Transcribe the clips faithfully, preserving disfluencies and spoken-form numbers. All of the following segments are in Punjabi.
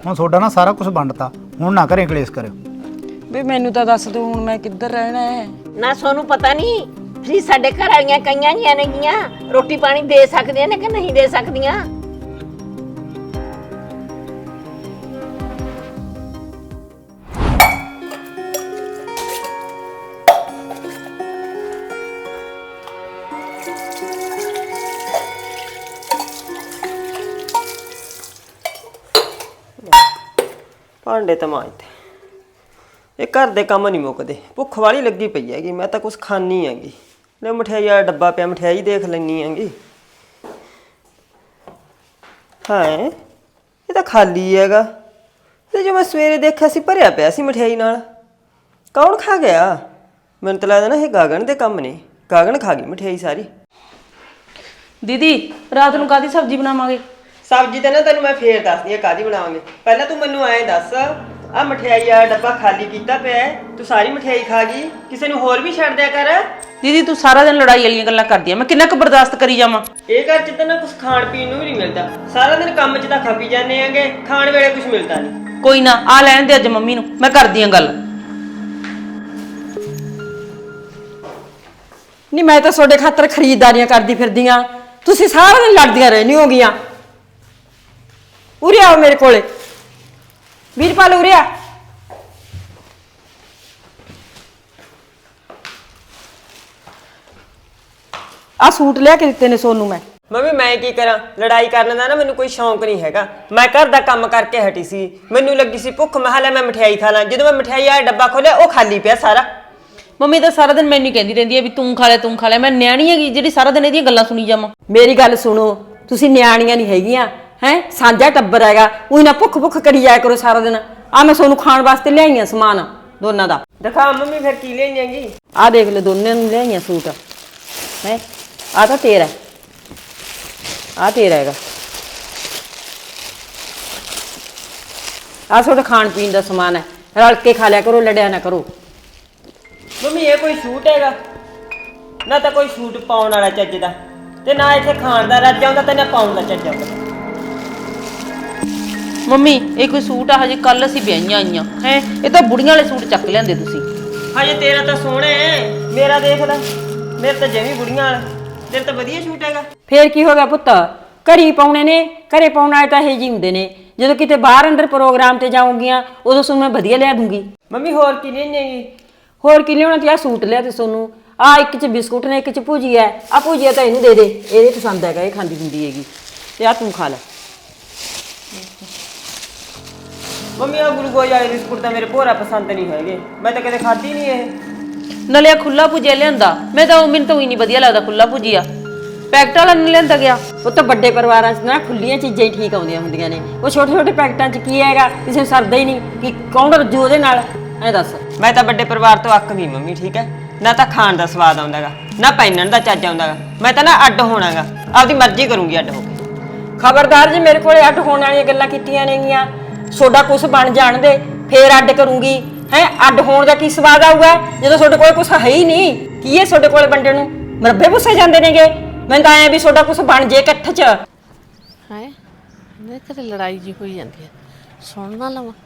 ਹੁਣ ਤੁਹਾਡਾ ਨਾ ਸਾਰਾ ਕੁਝ ਵੰਡਤਾ, ਹੁਣ ਨਾ ਘਰੇ ਕਲੇਸ਼ ਕਰਿਓ। ਵੇ ਮੈਨੂੰ ਤਾਂ ਦੱਸ ਦੋ ਹੁਣ ਮੈਂ ਕਿੱਧਰ ਰਹਿਣਾ ਹੈ। ਨਾ ਸੋਨੂੰ ਪਤਾ ਨਹੀਂ ਤੁਸੀਂ ਸਾਡੇ ਘਰ ਵਾਲੀਆਂ ਕਈਆਂ ਜੀਆਂ ਨੇਗੀਆਂ ਰੋਟੀ ਪਾਣੀ ਦੇ ਸਕਦੀਆਂ ਨੇ ਕਿ ਨਹੀਂ ਦੇ ਸਕਦੀਆਂ। ਭਾਂਡੇ ਤਾਂ ਮਾਂਜਦੇ, ਇਹ ਘਰ ਦੇ ਕੰਮ ਨਹੀਂ ਮੁੱਕਦੇ। ਭੁੱਖ ਵਾਲੀ ਲੱਗੀ ਪਈ ਹੈਗੀ, ਮੈਂ ਤਾਂ ਕੁਛ ਖਾਣੀ ਹੈਗੀ। ਲੈ ਮਠਿਆਈ ਵਾਲਾ ਡੱਬਾ ਪਿਆ, ਮਠਿਆਈ ਦੇਖ ਲੈਣੀ ਹੈਗੀ। ਹਾਂ ਇਹ ਤਾਂ ਖਾਲੀ ਹੈਗਾ, ਤੇ ਜੋ ਮੈਂ ਸਵੇਰੇ ਦੇਖਿਆ ਸੀ ਭਰਿਆ ਪਿਆ ਸੀ ਮਠਿਆਈ ਨਾਲ। ਕੌਣ ਖਾ ਗਿਆ? ਮੈਨੂੰ ਤਾਂ ਲੱਗਦਾ ਨਾ ਇਹ ਗਾਗਣ ਦੇ ਕੰਮ ਨੇ। ਗਾਗਣ ਖਾ ਗਈ ਮਠਿਆਈ ਸਾਰੀ। ਦੀਦੀ ਰਾਤ ਨੂੰ ਕਾਹਦੀ ਸਬਜ਼ੀ ਬਣਾਵਾਂਗੇ? ਸਬਜ਼ੀ ਤਾਂ ਨਾ ਤੈਨੂੰ ਮੈਂ ਫੇਰ ਦੱਸਦੀ ਆ ਕਾਹਦੀ ਬਣਾਵਾਂਗੇ। ਪਹਿਲਾਂ ਤੂੰ ਮੈਨੂੰ ਐਂ ਦੱਸ, ਆ ਮਠਿਆਈ ਆ ਡੱਬਾ ਖਾਲੀ ਕੀਤਾ ਪਿਆ, ਤੂੰ ਸਾਰੀ ਮਠਿਆਈ ਖਾ ਗਈ, ਕਿਸੇ ਨੂੰ ਹੋਰ ਵੀ ਛੱਡ ਦਿਆ ਕਰ। ਦੀਦੀ ਤੂੰ ਸਾਰਾ ਦਿਨ ਲੜਾਈ ਵਾਲੀਆਂ ਗੱਲਾਂ ਕਰਦੀ ਆ, ਮੈਂ ਕਿੰਨਾ ਕੁ ਬਰਦਾਸ਼ਤ ਕਰੀ ਜਾਵਾਂ। ਇਹ ਘਰ ਚ ਤਾਂ ਨਾ ਕੁਝ ਖਾਣ ਪੀਣ ਨੂੰ ਵੀ ਨਹੀਂ ਮਿਲਦਾ, ਸਾਰਾ ਦਿਨ ਕੰਮ ਚ ਤਾਂ ਖਪੀ ਜਾਂਦੇ ਆਂਗੇ, ਖਾਣ ਵੇਲੇ ਕੁਝ ਮਿਲਦਾ ਨਹੀਂ। ਕੋਈ ਨਾ ਆ ਲੈਣ ਦੇ ਅੱਜ ਮੰਮੀ ਨੂੰ, ਮੈਂ ਕਰਦੀ ਆ ਗੱਲ। ਨਹੀਂ ਮੈਂ ਤਾਂ ਤੁਹਾਡੇ ਖਾਤਰ ਖਰੀਦਦਾਰੀਆਂ ਕਰਦੀ ਫਿਰਦੀ ਆਂ, ਤੁਸੀਂ ਸਾਰਾ ਦਿਨ ਲੜਦੀਆਂ ਰਹਿਣੀ ਹੋਗੀਆਂ। ਉਰੇ ਆਓ ਮੇਰੇ ਕੋਲੇ, ਵੀਰਪਾਲ ਉਰੇ ਆ। ਆ ਸੂਟ ਲਿਆ ਕੇ ਦਿੱਤੇ ਨੇ ਸੋਨੂੰ ਮੈਂ। ਮੰਮੀ ਮੈਂ ਕੀ ਕਰਾਂ, ਲੜਾਈ ਕਰਨ ਦਾ ਨਾ ਮੈਨੂੰ ਕੋਈ ਸ਼ੌਂਕ ਨਹੀਂ ਹੈਗਾ। ਮੈਂ ਘਰ ਦਾ ਕੰਮ ਕਰਕੇ ਹਟੀ ਸੀ, ਮੈਨੂੰ ਲੱਗੀ ਸੀ ਭੁੱਖ, ਮੈਂ ਲੈ ਮੈਂ ਮਠਿਆਈ ਖਾ ਲਾਂ। ਜਦੋਂ ਮੈਂ ਮਠਿਆਈ ਆ ਡੱਬਾ ਖੋਲਿਆ ਉਹ ਖਾਲੀ ਪਿਆ ਸਾਰਾ। ਮੰਮੀ ਤਾਂ ਸਾਰਾ ਦਿਨ ਮੈਨੂੰ ਕਹਿੰਦੀ ਰਹਿੰਦੀ ਆ ਵੀ ਤੂੰ ਖਾ ਲੈ ਤੂੰ ਖਾ ਲੈ, ਮੈਂ ਨਿਆਣੀ ਹੈਗੀ ਜਿਹੜੀ ਸਾਰਾ ਦਿਨ ਇਹਦੀਆਂ ਗੱਲਾਂ ਸੁਣੀ ਜਾਵਾਂ। ਮੇਰੀ ਗੱਲ ਸੁਣੋ, ਤੁਸੀਂ ਨਿਆਣੀਆਂ ਨਹੀਂ ਹੈਗੀਆਂ ਹੈ, ਸਾਂਝਾ ਟੱਬਰ ਹੈਗਾ। ਉਹੀ ਨਾ ਭੁੱਖ ਭੁੱਖ ਕਰੀ ਜਾਇਆ ਕਰੋ ਸਾਰਾ ਦਿਨ। ਆ ਮੈਂ ਸੋਨੂੰ ਖਾਣ ਵਾਸਤੇ ਲਿਆਈਆਂ ਸਮਾਨ ਦੋਨਾਂ ਦਾ। ਦਿਖਾ ਮੰਮੀ ਫਿਰ ਕੀ ਲਿਆਈਆਂਗੀ। ਆ ਦੇਖ ਲੈ ਦੋਨਾਂ ਨੂੰ ਲਿਆਈਆਂ ਸੂਟ ਹੈ। ਆ ਤਾਂ ਤੇਰਾ, ਆ ਤੇਰਾ ਹੈਗਾ। ਆ ਤੁਹਾਡਾ ਖਾਣ ਪੀਣ ਦਾ ਸਮਾਨ ਹੈ, ਰਲ ਕੇ ਖਾ ਲਿਆ ਕਰੋ, ਲੜਿਆ ਨਾ ਕਰੋ। ਮੰਮੀ ਇਹ ਕੋਈ ਸੂਟ ਹੈਗਾ? ਨਾ ਤਾਂ ਕੋਈ ਸੂਟ ਪਾਉਣ ਵਾਲਾ ਚੱਜ ਦਾ, ਤੇ ਨਾ ਇੱਥੇ ਖਾਣ ਦਾ ਰੱਜ ਆਉਂਦਾ, ਤੇ ਨਾ ਪਾਉਣ ਦਾ ਚੱਜ ਆਉਂਦਾ। ਮੰਮੀ ਇਹ ਕੋਈ ਸੂਟ ਆ? ਹਜੇ ਕੱਲ ਅਸੀਂ ਵਿਆਹੀਆਂ ਆਈਆਂ ਹੈ, ਇਹ ਤਾਂ ਬੁੜੀਆਂ ਵਾਲੇ ਸੂਟ ਚੱਕ ਲਿਆਂਦੇ ਤੁਸੀਂ। ਹਜੇ ਤੇਰਾ ਤਾਂ ਸੋਹਣਾ ਹੈ, ਮੇਰਾ ਦੇਖ ਲੈ, ਮੇਰੇ ਤਾਂ ਜਮੀ ਬੁੜੀਆਂ ਵਾਲਾ। ਤੇਰਾ ਤਾਂ ਵਧੀਆ ਸੂਟ ਹੈਗਾ। ਫੇਰ ਕੀ ਹੋ ਗਿਆ ਪੁੱਤ, ਘਰੀ ਪਾਉਣੇ ਨੇ, ਘਰੇ ਪਾਉਣ ਵਾਲੇ ਤਾਂ ਇਹ ਜੀ ਹੁੰਦੇ ਨੇ। ਜਦੋਂ ਕਿਤੇ ਬਾਹਰ ਅੰਦਰ ਪ੍ਰੋਗਰਾਮ ਤੇ ਜਾਊਂਗੀਆਂ ਉਦੋਂ ਤੁਹਾਨੂੰ ਮੈਂ ਵਧੀਆ ਲਿਆ ਦੂੰਗੀ। ਮੰਮੀ ਹੋਰ ਕੀ ਲਿਆਈਆਂਗੀ? ਹੋਰ ਕੀ ਲਿਆਉਣਾ? ਤੇ ਆ ਸੂਟ ਲਿਆ ਤੇ ਸੋਨੂੰ, ਆ ਇੱਕ ਚ ਬਿਸਕੁਟ ਨੇ, ਇੱਕ ਚ ਭੁਜੀਆ ਹੈ। ਆ ਭੁਜੀਆ ਤਾਂ ਇਹਨੂੰ ਦੇ ਦੇ, ਇਹਦੇ ਪਸੰਦ ਹੈਗਾ, ਇਹ ਖਾਂਦੀ ਹੁੰਦੀ ਹੈਗੀ। ਤੇ ਆ ਤੂੰ ਖਾ ਲੈ। ਮੰਮੀ ਆ ਗੁਲੂਕੋਜ਼ ਵਾਲੇ ਬਿਸਕੁਟ ਤਾਂ ਮੇਰੇ ਭੋਰਾ ਪਸੰਦ ਨਹੀਂ ਹੈਗੇ, ਮੈਂ ਤਾਂ ਕਦੇ ਖਾਧੀ ਨਹੀਂ ਇਹ। ਨਾਲੇ ਖੁੱਲਾ ਭੁਜਿਆ ਲਿਆਂਦਾ, ਮੈਂ ਤਾਂ ਮੈਨੂੰ ਤਾਂ ਹੀ ਨਹੀਂ ਵਧੀਆ ਲੱਗਦਾ ਖੁੱਲਾ ਭੁਜਿਆ। ਪੈਕਟ ਵਾਲਾ ਨਹੀਂ ਲਿਆਂਦਾ ਗਿਆ। ਉਹ ਤਾਂ ਵੱਡੇ ਪਰਿਵਾਰਾਂ 'ਚ ਨਾ ਖੁੱਲੀਆਂ ਚੀਜ਼ਾਂ ਹੀ ਠੀਕ ਆਉਂਦੀਆਂ ਹੁੰਦੀਆਂ ਨੇ। ਉਹ ਛੋਟੇ ਛੋਟੇ ਪੈਕਟਾਂ 'ਚ ਕੀ ਹੈਗਾ, ਕਿਸੇ ਨੂੰ ਸਰਦਾ ਹੀ ਨਹੀਂ ਕਿ ਕੌਣ ਰੱਜੂ ਉਹਦੇ ਨਾਲ। ਐ ਦੱਸ। ਮੈਂ ਤਾਂ ਵੱਡੇ ਪਰਿਵਾਰ ਤੋਂ ਅੱਕ ਗਈ ਮੰਮੀ, ਠੀਕ ਹੈ ਨਾ। ਤਾਂ ਖਾਣ ਦਾ ਸਵਾਦ ਆਉਂਦਾਗਾ, ਨਾ ਪਹਿਨਣ ਦਾ ਚੱਜ ਆਉਂਦਾਗਾ। ਮੈਂ ਤਾਂ ਨਾ ਅੱਡ ਹੋਣਾਗਾ, ਆਪਦੀ ਮਰਜ਼ੀ ਕਰੂੰਗੀ ਅੱਡ ਹੋ ਕੇ। ਖਬਰਦਾਰ ਜੀ ਮੇਰੇ ਕੋਲੇ ਅੱਡ ਹੋਣ ਵਾਲੀਆਂ ਗੱਲਾਂ ਕੀਤੀਆਂ ਨੇਗੀਆਂ। ਤੁਹਾਡਾ ਕੁਛ ਬਣ ਜਾਣ ਦੇ, ਫੇਰ ਅੱਡ ਕਰੂੰਗੀ। ਹੈ ਅੱਡ ਹੋਣ ਦਾ ਕੀ ਸਵਾਦ ਆਊਗਾ ਜਦੋਂ ਤੁਹਾਡੇ ਕੋਲ ਕੁਛ ਹੈ ਹੀ ਨਹੀਂ? ਕੀ ਹੈ ਤੁਹਾਡੇ ਕੋਲ ਵੰਡਣ ਨੂੰ? ਮਰੱਬੇ ਪੁੱਸੇ ਜਾਂਦੇ ਨੇਗੇ। ਮੈਨੂੰ ਤਾਂ ਐ ਵੀ ਤੁਹਾਡਾ ਕੁਛ ਬਣ ਜੇ ਇਕੱਠ 'ਚ। ਹੈ ਮੇਰੇ ਘਰੇ ਲੜਾਈ ਜੀ ਹੋਈ ਜਾਂਦੀ ਹੈ, ਸੁਣ ਨਾ ਲਵਾਂ।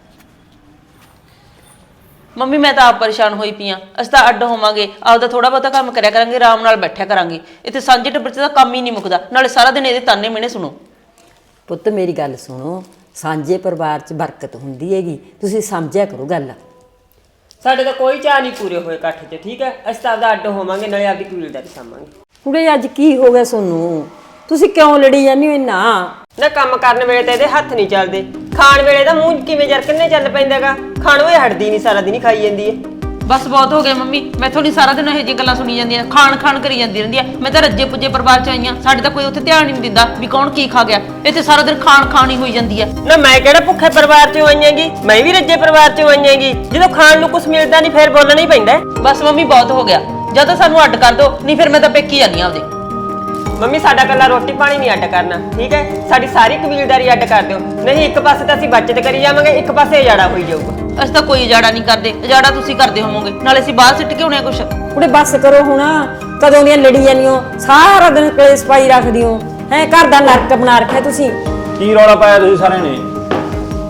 ਮੰਮੀ ਮੈਂ ਤਾਂ ਆਪ ਪਰੇਸ਼ਾਨ ਹੋਈ ਪਈ ਆ। ਅਸੀਂ ਤਾਂ ਅੱਡ ਹੋਵਾਂਗੇ, ਆਪਦਾ ਥੋੜਾ ਬਹੁਤਾ ਕੰਮ ਕਰਿਆ ਕਰਾਂਗੇ, ਆਰਾਮ ਨਾਲ ਬੈਠਿਆ ਕਰਾਂਗੇ। ਇੱਥੇ ਸਾਂਝੇ ਟੱਬਰ 'ਚ ਤਾਂ ਕੰਮ ਹੀ ਨਹੀਂ ਮੁੱਕਦਾ, ਨਾਲੇ ਸਾਰਾ ਦਿਨ ਇਹਦੇ ਤਾਨੇ ਮਿਹਣੇ ਸੁਣੋ। ਪੁੱਤ ਮੇਰੀ ਗੱਲ ਸੁਣੋ, ਸਾਂਝੇ ਪਰਿਵਾਰ 'ਚ ਬਰਕਤ ਹੁੰਦੀ ਹੈਗੀ, ਤੁਸੀਂ ਸਮਝਿਆ ਕਰੋ ਗੱਲ। ਸਾਡੇ ਤਾਂ ਕੋਈ ਚਾਹ ਨਹੀਂ ਪੂਰੇ ਹੋਏ ਇਕੱਠ 'ਚ, ਠੀਕ ਹੈ। ਅਸੀਂ ਤਾਂ ਆਪਦਾ ਅੱਡ ਹੋਵਾਂਗੇ, ਨਾਲੇ ਆਪਦੀ ਕਬੀਲਦਾਰੀ ਸਾਂਭਾਂਗੇ। ਕੁੜੇ ਅੱਜ ਕੀ ਹੋ ਗਿਆ ਸੋਨੂੰ? ਤੁਸੀਂ ਕਿਉਂ ਲੜੀ ਜਾਂਦੇ ਹੋ ਇੰਨਾ? ਨਾ ਕੰਮ ਕਰਨ ਵੇਲੇ ਤਾਂ ਇਹਦੇ ਹੱਥ ਨਹੀਂ ਚੱਲਦੇ, ਖਾਣ ਵੇਲੇ ਤਾਂ ਮੂੰਹ ਕਿਵੇਂ ਜਰ ਕਿੰਨੇ ਚੱਲ ਪੈਂਦਾਗਾ। ਖਾਣੋਂ ਇਹ ਹਟਦੀ ਨਹੀਂ, ਸਾਰਾ ਦਿਨ ਹੀ ਖਾਈ ਜਾਂਦੀ ਹੈ। ਬਸ ਬਹੁਤ ਹੋ ਗਿਆ ਮੰਮੀ, ਮੈਥੋਂ ਨਹੀਂ ਸਾਰਾ ਦਿਨ ਇਹੋ ਜਿਹੀ ਗੱਲਾਂ ਸੁਣੀ ਜਾਂਦੀਆਂ, ਖਾਣ ਖਾਣ ਕਰੀ ਜਾਂਦੀ ਰਹਿੰਦੀ ਆ। ਮੈਂ ਤਾਂ ਰੱਜੇ ਪੁੱਜੇ ਪਰਿਵਾਰ 'ਚ ਆਈਆਂ, ਸਾਡੇ ਤਾਂ ਕੋਈ ਉੱਥੇ ਧਿਆਨ ਹੀ ਨਹੀਂ ਦਿੰਦਾ ਵੀ ਕੌਣ ਕੀ ਖਾ ਗਿਆ। ਇੱਥੇ ਸਾਰਾ ਦਿਨ ਖਾਣ ਖਾਣ ਹੀ ਹੋਈ ਜਾਂਦੀ ਆ। ਨਾ ਮੈਂ ਕਿਹੜਾ ਭੁੱਖੇ ਪਰਿਵਾਰ 'ਚੋਂ ਆਈਆਂਗੀ, ਮੈਂ ਵੀ ਰੱਜੇ ਪਰਿਵਾਰ 'ਚੋਂ ਆਈਆਂਗੀ। ਜਦੋਂ ਖਾਣ ਨੂੰ ਕੁਝ ਮਿਲਦਾ ਨਹੀਂ ਫੇਰ ਬੋਲਣਾ ਹੀ ਪੈਂਦਾ। ਬਸ ਮੰਮੀ ਬਹੁਤ ਹੋ ਗਿਆ, ਜਾਂ ਤਾਂ ਸਾਨੂੰ ਅੱਡ ਕਰ ਦਿਓ, ਨਹੀਂ ਫਿਰ ਮੈਂ ਤਾਂ ਪੇਕੀ ਜਾਂਦੀ ਆ ਆਪਦੇ। ਮੰਮੀ ਸਾਡਾ ਕੱਲਾ ਰੋਟੀ ਪਾਣੀ ਨਹੀਂ ਅੱਡ ਕਰਨਾ, ਠੀਕ ਹੈ। ਸਾਡੀ ਸਾਰੀ ਕਬੀਲਦਾਰੀ ਅੱਡ ਕਰ ਦਿਓ, ਨਹੀਂ ਇੱਕ ਪਾਸੇ ਤਾਂ ਅਸੀਂ ਬੱਚਤ ਕਰੀ ਜਾਵਾਂਗੇ, ਇੱਕ ਪਾਸੇ ਉਜਾੜਾ ਹੋਈ ਜਾਊਗਾ। ਅਸੀਂ ਤਾਂ ਕੋਈ ਉਜਾੜਾ ਨਹੀਂ ਕਰਦੇ, ਉਜਾੜਾ ਤੁਸੀਂ ਕਰਦੇ ਹੋਵੋਗੇ, ਨਾਲੇ ਅਸੀਂ ਬਾਹਰ ਸਿੱਟ ਕੇ ਆਉਣੇ ਆ ਕੁਛ। ਕੁੜੇ ਬੱਸ ਕਰੋ ਹੁਣ, ਕਦੋਂ ਦੀਆਂ ਲੜੀ ਜਾਂਦੀਆਂ, ਸਾਰਾ ਦਿਨ ਕਲੇਸ਼ ਪਾਈ ਰੱਖਦੀ ਹੋ। ਹੈ ਘਰ ਦਾ ਨਰਕ ਬਣਾ ਰੱਖਿਆ ਤੁਸੀਂ। ਕੀ ਰੌਲਾ ਪਾਇਆ ਤੁਸੀਂ ਸਾਰਿਆਂ ਨੇ?